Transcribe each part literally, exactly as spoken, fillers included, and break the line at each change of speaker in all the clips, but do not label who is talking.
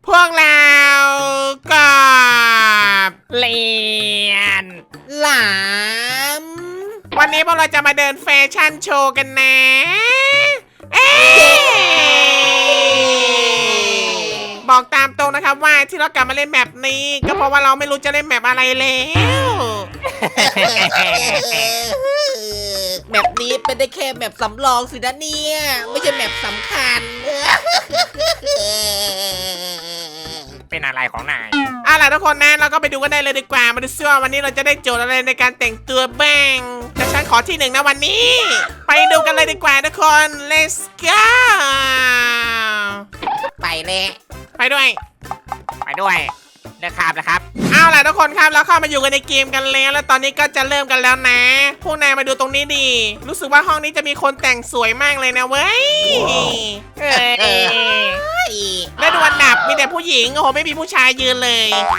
พวกเรากับ
เลียน
หลาม
วันนี้พวกเราจะมาเดินแฟชั่นโชว์กันนะเอ๊บอกตามตรงนะครับว่าที่เรากลับมาเล่นแมปนี้ ก็เพราะว่าเราไม่รู้จะเล่นแมปอะไรแล้ว
แบบนี้เป็นได้แค่แบบสำรองสินะเนี่ยไม่ใช่แบบสำคัญ
เป็นอะไรของนาย
เอาล่ะทุกคนนะเราก็ไปดูกันได้เลยดีกว่ามาดูซิว่าวันนี้เราจะได้โจทย์อะไรในการแต่งตัวบ้างแต่ฉันขอที่หนึ่งนะวันนี้ ไปดูกันเลยดีกว่าทุกคน let's go
ไปเลย
ไปด้วย
ไปด้วยเลือกคาบนะครับ
เอาล่ะทุกคนครับเราเข้ามาอยู่กันในเกมกันแล้วแล้วตอนนี้ก็จะเริ่มกันแล้วนะพวกนายมาดูตรงนี้ดีรู้สึกว่าห้องนี้จะมีคนแต่งสวยมากเลยนะเว้ย
เอ้ย
และดูอันดับมีแต่ผู้หญิงโอ้โหไม่มีผู้ชายยืนเลย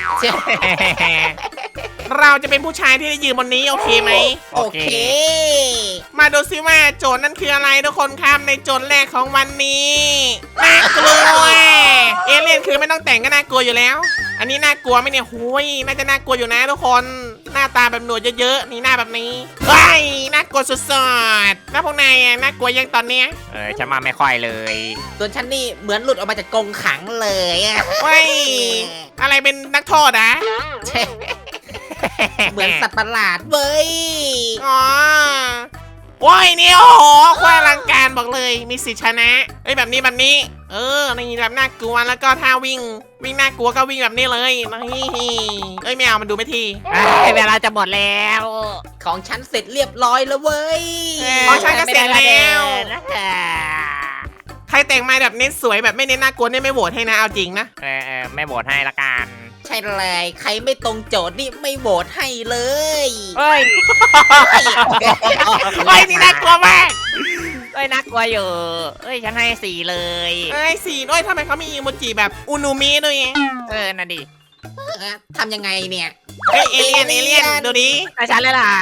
เราจะเป็นผู้ชายที่ได้ยืนบนนี้โอเคไหม
โอเค
มาดูซิว่าโจทย์นั้นคืออะไรทุกคนครับในโจทย์แรกของวันนี้น่ากลัวเอเลี่ยนคือไม่ต้องแต่งก็น่ากลัวอยู่แล้ว อันนี้น่ากลัวไหมเนี่ยหุยน่าจะน่ากลัวอยู่นะทุกคนหน้าตาแบบหนวดเยอะๆนี่หน้าแบบนี้เฮ้ยน่ากลัวสุดๆแล้วพวกนายอะน่ากลัวยังตอนเนี้ย
เออฉันมาไม่ค่อยเลย
ส่วนฉันนี่เหมือนหลุดออกมาจากกรงขังเลยอะ
เฮ้ยอะไรเป็นนักโทษอะ
ใช่เหมือนสัตว์ประหลาดเว้ย
อ๋อโอ้ยนี่โอ้โหโคตรอลังการบอกเลยมีสิทธิชนะเอ้ยแบบนี้แบบนี้ เออนี่แบบน่ากลัวแล้วก็ท่าวิ่งวิ่งน่ากลัวก็วิ่งแบบนี้เลยนี่เอ้ยไม่เอามันดูไม่ที
เอ้ยเวลาจะหมดแล้ว
ของฉันเสร็จเรียบร้อยแล้วเว้ย
อ๋อใช่ก็เสร็จแล้ว
นะ
ใครแต่งมาแบบเน้นสวยแบบไม่เน้นน่ากลัวเนี่ยไม่โหวตให้นะเอาจริงนะ
เออเออไม่โหวตให้ละกัน
ใช่เลยใครไม่ตรงโจทย์นี่ไม่โหวตให้เลย
เฮ้ย
เฮ้ยนี่น่ากลัวมาก
เฮ้ยน่ากลัวอยู่เฮ้ยฉันให้สี่เลย
เอ้ยสีด้วยทำไมเขามีอีโมจิแบบอุนูมิด้วย
เออน่ะดิ
ทำยังไงเนี่ย
เฮ้ยเอเลี่ยนเอเลี่ยนดูดิ
แต่ฉันเลยล่ะ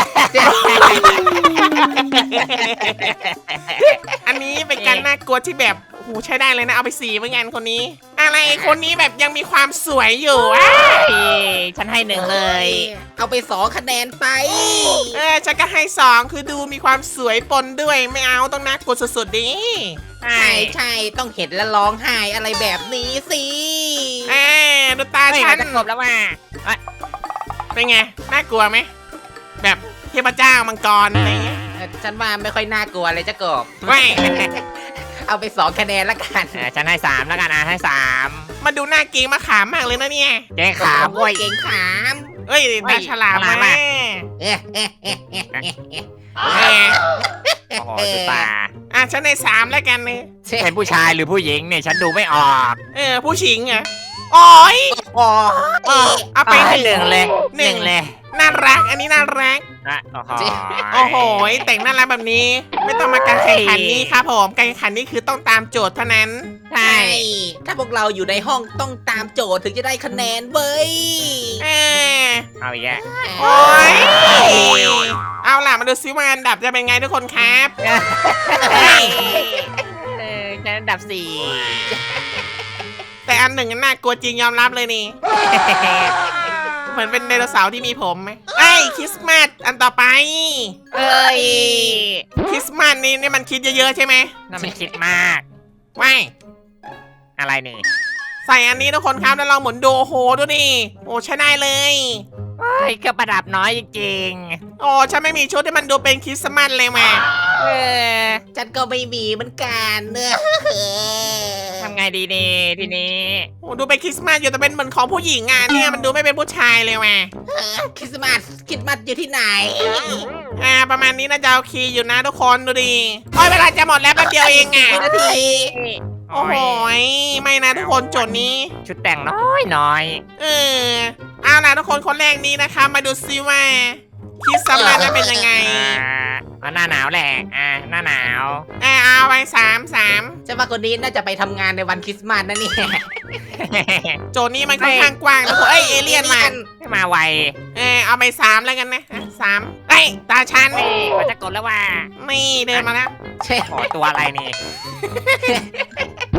อันนี้เป็นการน่ากลัวที่แบบโอ้โหใช้ได้เลยนะเอาไปสีเหมือนกันคนนี้ อะไรคนนี้แบบยังมีความสวยอยู่อ่ะ
เฮ้ยฉันให้หนึ่งเลย
เอาไปสองคะแนนไป
เออฉันก็ให้สองคือดูมีความสวยปนด้วยไม่เอาต้องน่ากลัวสุดๆดิ
ใช่
ใช่ใช่ต้องเห็นแล้วร้องไห้อะไรแบบนี้สิ
เออดูตา
เฮ้ย
ฉั
มัน นจะจบแล้วว่ะ
เป็นไงน่ากลัวไหมแบบเทพเจ้ามังกรอะไรเงี้ย
เออฉันว่าไม่ค่อยน่ากลัวเลยเจ้ากบ
ไม่
เอาไปสองคะแนนละกัน
เออฉันให้สามแล้วกันอ่ะให้สาม
มาดูหน้าเกงมาขามมากเลยนะเนี่ย
เจ๊ขาบ
โอ้
เว้
ย
ย
เก่งขาม
เอ้ยตาฉลาม
ฉลาม
มา
อะ
เอ๊ะเอ๊ะเอ๊ะเอ๊ะเอ๊ะเอ๊ะ
แหม
โอ้โหดูตา
อ่ะฉันในสามแล้วกันเนี่ย
เป็นผู้ชายหรือผู้หญิงเนี่ยฉันดูไม่ออก
เออผู้ชิงเหรอ่ะโอ้ย
อ๋อ
เออเอาไป
ให้หนึ่งเลย
ห
ห
นึ่
นึ่
ง
งเลย
น่ารักอันนี้น่ารัก
อ่ะโอ้โห
โอ้โหแต่งน่ารักแบบนี้ ไม่ต้องมาการแข่งขันนี้ครับผมการแข่งขันนี้คือต้องตามโจทย์เท่านั้น
ใช่
ใช่ ถ้าพวกเราอยู่ในห้องต้องตามโจทย์ถึงจะได้คะแนนเว้ย
เออ
เอาอีกแล้ว
โอ้ยเอาล่ะมาดูซิว่าอันดับจะเป็นไงทุกคนครับเฮ้ย
เออฉันอันดับสี่
แต่อันหนึ่งน่ากลัวจริงยอมรับเลยนี่ เหมือนเป็นไดโนเสาร์ที่มีผมไหมไอ้ยคริสต์มาสอันต่อไป
เอ้ย
คริสต์มาสนี่นี่มันคิดเยอะๆใช่ไหม
น่ามันคิดมาก
ว้าย
อะไรนี่
ใส่อันนี้ทุกคนครับแล้วเราหมุนดูโอ้โหดูดิโอ้ใช้ได้เลย
เฮ้ยเครื่องประดับน้อยจริง
โอ้ฉันไม่มีชุดที่มันดูเป็นคริสต์มาสเลยมา
ๆเออ
ฉันก็ไม่มีเหมือนกันเนอะ
ทำไงดีนี่ทีนี้
โอ้ดูเป็นคริสต์มาสอยู่แต่เป็นเหมือนของผู้หญิงอ่ะเนี่ยมันดูไม่เป็นผู้ชายเลยมา
คริสต์มาสคริสต์มาสอยู่ที่ไหน
อ่าประมาณนี้น่าจะโอเคอยู่นะทุกคนดูดิโอ้ยเวลาจะหมดแล้วแป๊บเดียวเองอ่ะ
นาที
โอ้โหยไม่นะทุกคนโจทย์นี้
ชุดแต่งน้อยน้อย
เออเอาล่ะทุกคนคนแรกนี้นะคะมาดูซิว่าคริสต์มาสจะเป็นยังไง
อ่าเอาหน้าหนาวแหละอ่าหน้าหนาว
อ่าเอาไปสามสาม
ฉันว่าคนนี้น่าจะไปทำงานในวันคริสต์มาสนะเนี่ย
โจทย์นี้มันค่อนข้างกว้างนะทุกคนเอ้ยเอเลี่ยนมา
ไม่มาไว
เออเอาไปสามแล้วกันนะอ่ะสามเอ้ยตาชัน
เฮ้ยเขาจะกดแล้วว่า
นี่เดินมาแล้ว
ใช่
โอ้ตัวอะไรนี่
อ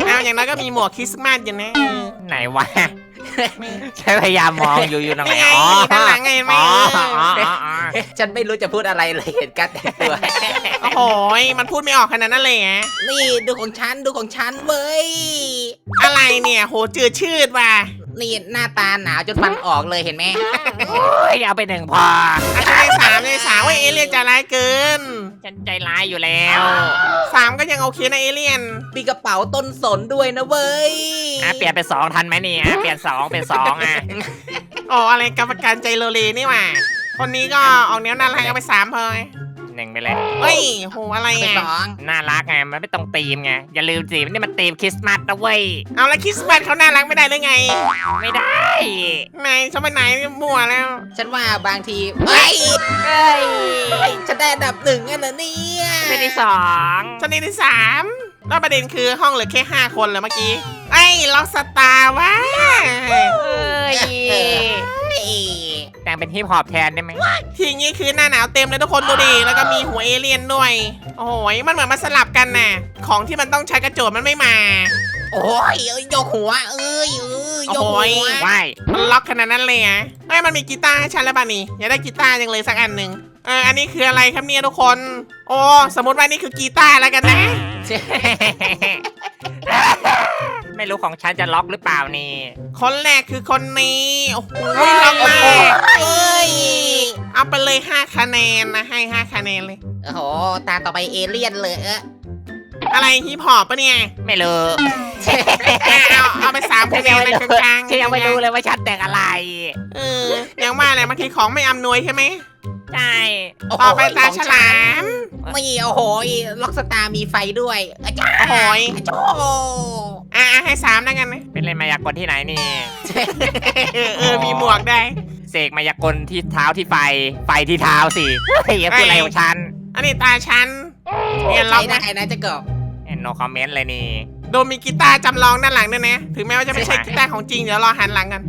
เอาอย่างน้อยก็มีหมวกคริสต์มาสอยู่นะเออ
ไหนวะฉันพยายามมองอยู่อยู่ตรงไหน
นี่ไง
อ๋อ
ด้านหลังไงเห็นไหม
อ๋อ
เออ
อ๋ออ๋ออ๋อ
ฉันไม่รู้จะพูดอะไรเลยเห็นการแต่งตัว
โอ้โหมันพูดไม่ออกขนาดนั้นเลยฮะ
นี่ดูของฉันดูของฉันเว้ย
อะไรเนี่ยโหจืดชืดว่ะ
นี่หน้าตาหนาวจนฟันออกเลยเห็นไหม
โอ้ยเอาไปหนึ่งพอ
อาจจะได้สามได้สามว่าเอเลี่ยนจะร้ายเกิน
ฉันใจร้ายอยู่แล้ว
สามก็ยังโอเคนะเอเลี่ยน
มีกระเป๋าต้นสนด้วยนะเว้ย
อ่ะเปลี่ยนเป็นสองทันไหมเนี่ยเปลี่ยนสองเป็นสองอ่ะ
อ๋ออะไรกรรมการใจโลเลนี่หว่าคนนี้ก็ออกแนวน่ารักเอาไปสามพอ
หนึ่งไปเลย
เฮ้ยโหอะไร
ไป
อ่ะ
สอง
น่ารักไงมันไม่ตรงธีมไงอย่าลืมสินี่มันธีมคริสต์มาสนะเว้ย
เอาแล้วคริสต์มาสเขาน่ารักไม่ได้หรือไง
ไม่ได้
ไหนฉันไปไหนมั่วแล้ว
ฉันว่าบางทีเฮ้ย
เอ้ย
ฉันได้อันดับหนึ่งกันนะเนี่ย
เป็นที่สอง
ฉันนี่ที่สามแล้วประเด็นคือห้องเหลือแค่ห้าคนเลยเมื่อกี้ไอ้ล็อกสตาร์วะ
เอ้ย
เฮ้ย
แต่งเป็นฮิปฮอปแทนได้ไหม
ทีนี้คือหน้าหนาวเต็มเลยทุกคนดูดิแล้วก็มีหัวเอเลี่ยนด้วย โอ้ยมันเหมือนมาสลับกันน่ะของที่มันต้องใช้กระโจนมันไม่มา
โอ้ยเอ้ยยกหัวเอ้ยเอ้ยยกหัว
โอ้ย
ว้าย
มันล็อกขนาดนั้นเลยอ่ะไอ้ยมันมีกีตาร์ให้ฉันแล้วป่ะนี่อยากได้กีตาร์จังเลยสักอันหนึ่งเอออันนี้คืออะไรครับเนี่ยทุกคน โอ้สมมติว่านี่คือกีตาร์แล้วกันนะ
ไม่รู้ของฉันจะล็อกหรือเปล่านี่
คนแรกคือคนนี้โอ้โหล็อกมาก
เอ้ย
เอาไปเลยห้าคะแนนนะให้ห้าคะแนนเลย
โอ้โหตาต่อไปเอเลี่ยนเลยเออ
อะไรฮิปฮอปปะเนี่ย
ไม่รู้
อ่ะเอาเอาไปสามคะแนนเลยกลางๆ
ฉันยังไม่รู้เลยว่าฉันแต่งอะไร
เออยังว่าแหละบางทีของไม่อำนวยใช่ไหม
ใช่
โโห
ต่อไปตาฉลาม
ไม่โอ้โหล็อกสตาร์มีไฟด้วยอาจารย์
โอ้โหย
โอ้โห
อ่ะอ่ะให้สามแล้วกันนะ
เป็นเล่นมายากลที่ไหนนี่
เออเออมีหมวกได้
เสกมายากลที่เท้าที่ไฟ ไฟที่เท้าสิเฮ้ยเป็นอะไรของฉัน
อันนี้ตาฉันเนี่ยล็
ใช้
อก
ได้
นะ
นะเจะกบ
โนคอมเมนต์เลยนี่
โดมมีกีตาร์จำลองด้านหลังด้วยนะ ถึงแม้ว่าจะไม่ใช่กีตาร์ของจริง เดี๋ยวรอหันหลังกัน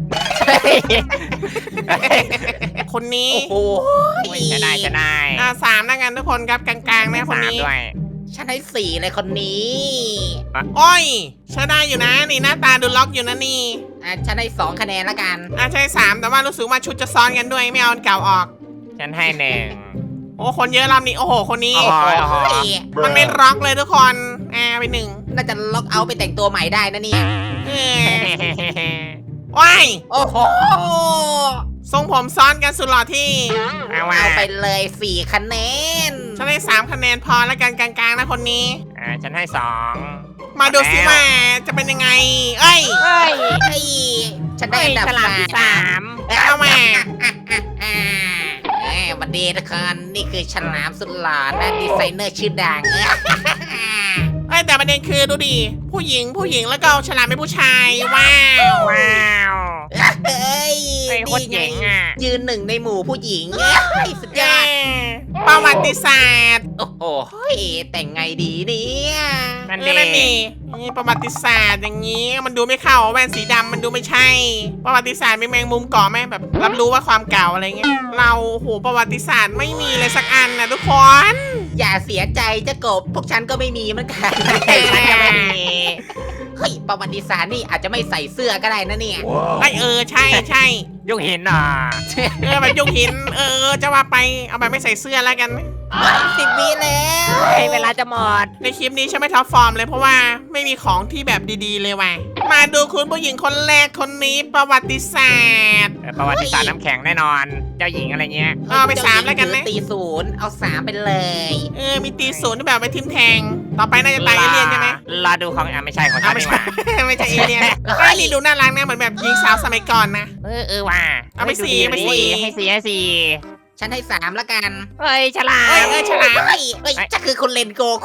คนนี้
โอ้โห
โอ้ยจะได้จะได้
อ่าสามแล้วกันทุกคนครับกลางๆนะคน
สาม
นี้
ด้วย
ฉันให้สี่เลยคนนี้
โอ้ยใช้ได้อยู่นะ นี่หน้าตาดูล็อกอยู่นะนี่
อ่ะฉันให้สองคะแนนละกัน
อ่าใช่สามแต่ว่ารู้สึกว่าชุดจะซ้อนกันด้วยไม่เอาอันเก่าออก
ฉันให้หนึ่ง
โอ้คนเยอะรอบนี้ โอ้โห คนนี้
อ๋อ
โอ้โห
มันไม่ล็อกเลยทุกคนอ่าไปหนึ่ง
น่าจะล็อกเอาท์ไปแต่งตัวใหม่ได้นะเนี่ย
เออว้าย
โอ้โห
ทรงผมซ้อนกันสุดหล่อที่
เอาว่า
เอาไปเลยสี่คะแนน
ฉันได้สามคะแนนพอแล้วกันกลางๆนะคนนี้
อ่าฉันให้สอง
มาดูสิว่าจะเป็นยังไง เอ้ย
เฮ้ย
เฮ้ยฉันได้
เฮ้ย
อันดับ
ฉลามที่
สา
สาม ม
เอามา
อ่าแหมวันดีทุกคนนี่คือฉลามสุดหล่อนะดีไซเนอร์ชื่อดัง
เอ้ยแต่ประเด็นคือดูดิผู้หญิงผู้หญิงแล้วก็เอาฉลามเป็นผู้ชาย ว้าว
ว้าว
เฮ้ย
เฮ้ยโคตรเจ๋งอ่ะ
ยืนหนึ่งในหมู่ผู้หญิงเอ้ยสุดยอด
ประวัติศาสตร์
โอ้โหแต่งไงดีเนี่ย
นั่น
เอ
เอ
อนั่นนี่นี่ประวัติศาสตร์อย่างนี้มันดูไม่เข้าแว่นสีดำมันดูไม่ใช่ ประวัติศาสตร์มีแมงมุมเกาะไหมแบบรับรู้ว่าความเก่าอะไรเงี้ยเราโหประวัติศาสตร์ไม่มีเลยสักอันนะทุกคน
อย่าเสียใจเจะกบพวกฉันก็ไม่มีเหมือนกัน
ฉันจะไม่มี
เฮ้ยประวัติศาสตร์นี่อาจจะไม่ใส่เสื้อก็ได้นะเนี่ย
ไอเออใช่ใช่
ยุคหินอ่ะ
เออแบบยุคหินเออจะว่าไปเอาแบบไม่ใส่เสื้อแล้วกัน
สิบวิแล้ว
เฮ้ยเวลาจะหมด
ในคลิปนี้ฉันไม่ท็อปฟอร์มเลยเพราะว่าไม่มีของที่แบบดีๆเลยว่ะมาดูคุณผู้หญิงคนแรกคนนี้ประวัติศาสตร์
เออประวัติศาสตร์น้ำแข็งแน่นอน เจ้าหญิงอะไรเงี้ย
เอาไปสามแล้วกันนะ
ตีศูนย์เอาสามไปเลย
เออมีตีศูนย์ที่แบบไปทิมแทง ต่อไปน่าจะตายเอเลี่ยนใช่ไหม
รอดูของอ่ะไม่ใช่ของฉั
เอา
น
ไม่
ดีก
ใช่
ว่า
ไม่ใช่เอเลี่ยนไอ้ยนี่ดูน่ารักนะเหมือนแบบหญิงสาวสมัยก่อนนะ
เออเออว่ะ
เอาไปสี่
ฮ้ย
เอาไป
ดู
สี่
ดีให้สี่ให้สี่
ฉันให้สามละกัน
เฮ้ยฉลา
เอ้ย
ม
เออฉลาม
เฮ้ยเฮ้ยจะคือคุณเลนโกคู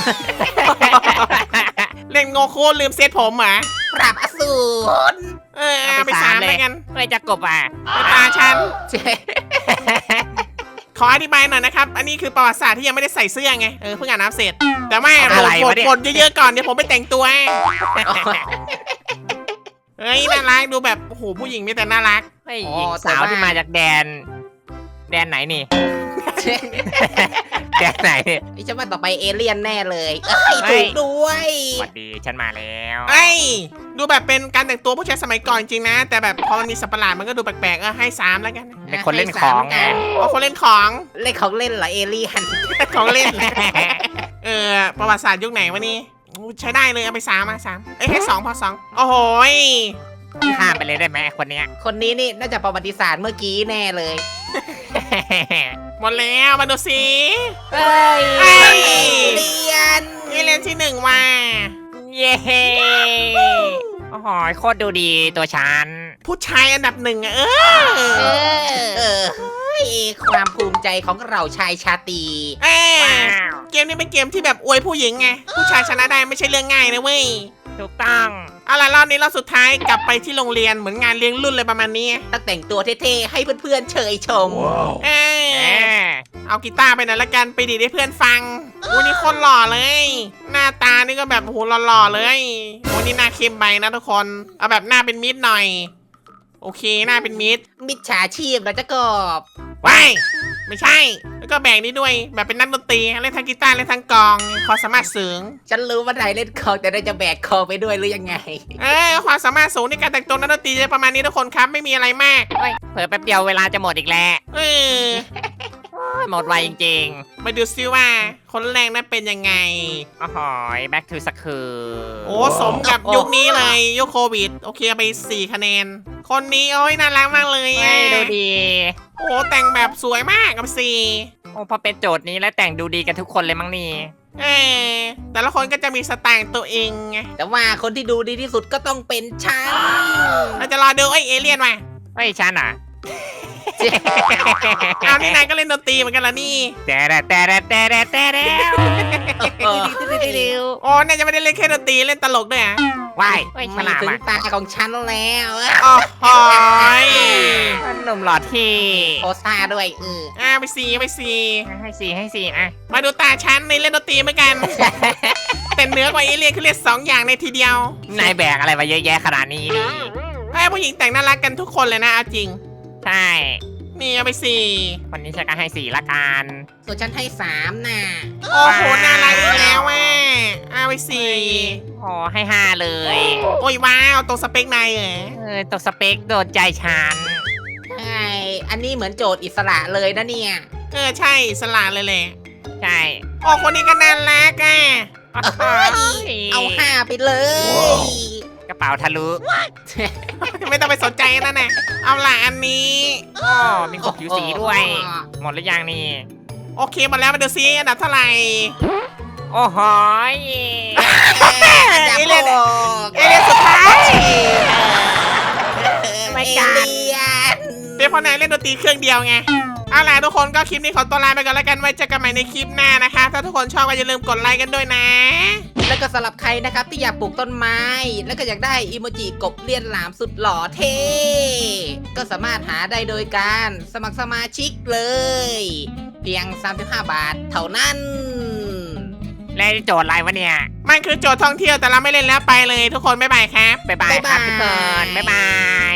เล่นโงคูลืมเซตผมเหรอ
ปราบอสูร
เออเอาไปสามแล้วกัน
เฮ้ยจะกบอ่ะ
ไปตาฉัน
เจ๊
ขออธิบายหน่อยนะครับ อันนี้คือประวัติศาสตร์ที่ยังไม่ได้ใส่เสื้อไง เออเพิ่งอ่านน้ำเสร็จ แต่ว่า
อะไร
ก
วะ
ด
เนี่ย
กดเยอะๆก่อนเดี๋ยวผมไปแต่งตัว เฮ้ยน่ารักดูแบบโอ้โหผู้หญิงมีแต่น่ารัก
เฮ้ยหญิงสาวที่มาจากแดน แดนไหนนี่แกไหน
ไอ้ฉันว่าต่อไปเอเลี่ยนแน่เลยเอ้ยถูกด้วย
สวัสดีฉันมาแล้ว
ไอ้ยดูแบบเป็นการแต่งตัวผู้ชายสมัยก่อนจริงนะ แต่แบบพอมันมีสัตว์ประหลาดมันก็ดูแปลกๆเออให้สามแล้วกัน
เป็นคนเล่นของไง
อ๋อคนเล่นของ
เล่นของเล่นเหรอเอเลี่ยน
ของเล่น เออประวัติศาสตร์ยุคไหนวะนี่อู้ใช้ได้เลยเอาไปสามมาสามเอ้ยให้สองพอสองโอ้โหย
ข้ามไปเลยได้ไหมคนเนี้ย
คนนี้นี่น่าจะประวัติศาสตร์เมื่อกี้แน่เลย
หมดแล้วมาดูสิ
เฮ้ย
เอ้ย
เลียน
เอเลียนที่หนึ่งมา
เย้โอ้โหโคตรดูดีตัวฉัน
ผู้ชายอันดับหนึ่งอะเอ
เอ
อ
อเออเฮ้ยความภูมิใจของเราชายชาตรี
เอ้ย
ว้าว
เกมนี้เป็นเกมที่แบบอวยผู้หญิงไงผู้ชายชนะได้ไม่ใช่เรื่องง่ายนะเว้ย
ถูกต้อง
เอาล่ะรอบนี้รอบสุดท้ายกลับไปที่โรงเรียนเหมือนงานเลี้ยงรุ่นเลยประมาณนี้
ต้องแต่งตัวเท่ๆให้เพื่อนๆเชยชม
เอ้ย
แหม
เอากีตาร์ไปหน่อยละกันไปดีดให้เพื่อนฟังวันนี้คนหล่อเลย หน้าตานี่ก็แบบโอ้โหหล่อๆเลยวันนี้หน้าเข้มไปนะทุกคนเอาแบบหน้าเป็นมิตรหน่อย โอเคหน้าเป็นมิตร
มิจฉาชีพนะเจ้ากบ
ว้ายไม่ใช่ แล้วก็แบ่งนี้ด้วย แบบเป็นนักดนตรีเล่นทั้งกีตาร์เล่นทั้งกลองความสามารถสูง
ฉันรู้ว่านายเล่นคอแต่นายจะแบกคอไปด้วยหรือยังไง
เออความสามารถสูงในการแต่งตัวนักดนตรีจะประมาณนี้ทุกคนครับไม่มีอะไรมาก
เฮ้ยเผลอแป๊บเดียวเวลาจะหมดอีกแล้ว
เออ
โอ้ยหมดไวจริง
มาดูซิว่าคนแรกนั้นเป็นยังไง
ๆโอ้โห back to school
โอ้สมกับยุคนี้เลยยุคโควิด โอเคเอาไปสี่คะแนน คนนี้โอ้ยน่ารักมากเลย
เฮ้
อ่ะ
ยดูดี
โอ้แต่งแบบสวยมากกับสี่
โอ้พอเป็นโจทย์นี้แล้วแต่งดูดีกันทุกคนเลยมั้งนี่
เออแต่ละคนก็จะมีสไตล์ตัวเองไง
แต่ว่าคนที่ดูดีที่สุดก็ต้องเป็นฉัน
เราจะรอดูไอ้เอเลี่ยนมา
เฮ้ยฉันอ่ะ
เอานี่นายก็เล่นดนตรีเหมือนกันละนี่
แต่แต่แต่แต่แต่แต่แล้ว
โอ้น่าจะไม่ได้เล่นแค่ดนตรีเล่นตลกด้วยอ่ะ
ว้ายเฮ้ยฉ
มา
ลาด
ถึง
มาก
ตาของฉันแล้ว
โอ้โหย
หนุ่มหล่อที่
โอซ่าด้วยเออ
อ่าไปสี่ไปสี่
ให้สี่ให้สี่อ่ะ
มาดูตาฉันในเล่นดนตรีเหมือนกัน แต่เหนือกว่าเอเลี่ยนคือเล่นสองอย่างในทีเดียวน
ายแบกอะไรมาเยอะแยะขนาดนี้นี่
ไอ้ผู้หญิงแต่งน่ารักกันทุกคนเลยนะเอาจริง
ใช่
นี่เอาไปสี่
วันนี้ฉันก็ให้สี่ละกัน
ส่วนฉันให้สามน่ะ
โอ้โหน่ารักอีกแล้วแม่เอาไปสี่
โอ้ให้ห้าเลย
โอ้ยว้าวตรงสเปคนายเหรอ
เออตัวสเปคโดนใจฉัน
ใช่ อันนี้เหมือนโจทย์อิสระเลยนะเนี่ย
เออใช่สลาดเลยแหละ
ใช่
โอ้คนนี้ก็น่ารักอ่ะ
เฮ้ยเอาห้าไปเลย
กระเป๋าทะลุ
ไม่ต้องไปสนใจนั่นน่ะเอาล่ะอันนี้
อ๋อมีขบผิวสีด้วย หมดหรือยังนี่
โอเคหมดแล้วมาดูซิอันดับเท่าไหร่
โอ้โหย
จับ
เอเลี่ยน
โบก
เอเลี่ยนสุดท้าย
ไม่กันเลียน
เดี๋ยวพอนายเล่นดนตรีเครื่องเดียวไงเอาล่ะทุกคนก็คลิปนี้ขอตัวลาไปก่อนแล้วกันไว้เจอกันใหม่ในคลิปหน้านะคะ ถ้าทุกคนชอบก็อย่าลืมกดไลค์กันด้วยนะ
แล้วก็สำหรับใครนะครับที่อยากปลูกต้นไม้ แล้วก็อยากได้อีโมจิกบเลียนหลามสุดหล่อเท่ ก็สามารถหาได้โดยการสมัครสมาชิกเลย เพียง สามสิบห้า บาทเท่านั้น
แล้วโจทย์อะไรวะเนี่ย
มันคือโจทย์ท่องเที่ยวแต่เราไม่เล่นแล้วไปเลยทุกคนบ๊ายบายครับ
บ๊ายบายครับทุกคน บ๊ายบาย